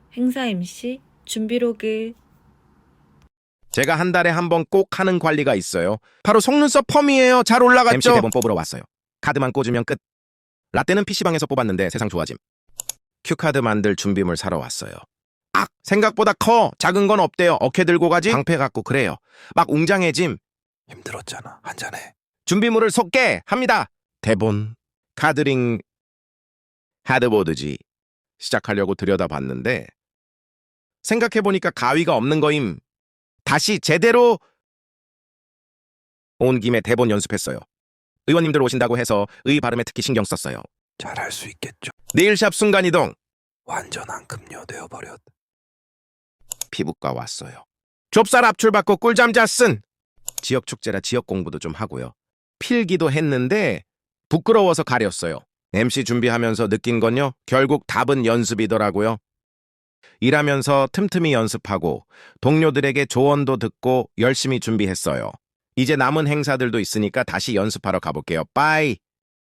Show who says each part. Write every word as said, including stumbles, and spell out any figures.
Speaker 1: 행사 엠씨 준비로그.
Speaker 2: 제가 한 달에 한 번 꼭 하는 관리가 있어요. 바로 속눈썹 펌이에요. 잘 올라갔죠? 엠씨 대본 뽑으러 왔어요. 카드만 꽂으면 끝. 라떼는 피시방에서 뽑았는데 세상 좋아짐. 큐카드 만들 준비물 사러 왔어요. 악! 생각보다 커. 작은 건 없대요. 어케 들고 가지? 방패 갖고 그래요. 막 웅장해짐.
Speaker 3: 힘들었잖아. 한잔해.
Speaker 2: 준비물을 쏟게 합니다. 대본, 카드링, 하드보드지. 시작하려고 들여다봤는데 생각해보니까 가위가 없는 거임. 다시 제대로 온 김에 대본 연습했어요. 의원님들 오신다고 해서 의 발음에 특히 신경 썼어요.
Speaker 3: 잘할 수 있겠죠.
Speaker 2: 네일샵 순간이동.
Speaker 3: 완전한 급료 되어버렸.
Speaker 2: 피부과 왔어요. 좁쌀 압출 받고 꿀잠 잤슨. 지역 축제라 지역 공부도 좀 하고요. 필기도 했는데 부끄러워서 가렸어요. 엠씨 준비하면서 느낀 건요. 결국 답은 연습이더라고요. 일하면서 틈틈이 연습하고 동료들에게 조언도 듣고 열심히 준비했어요. 이제 남은 행사들도 있으니까 다시 연습하러 가볼게요. 빠이.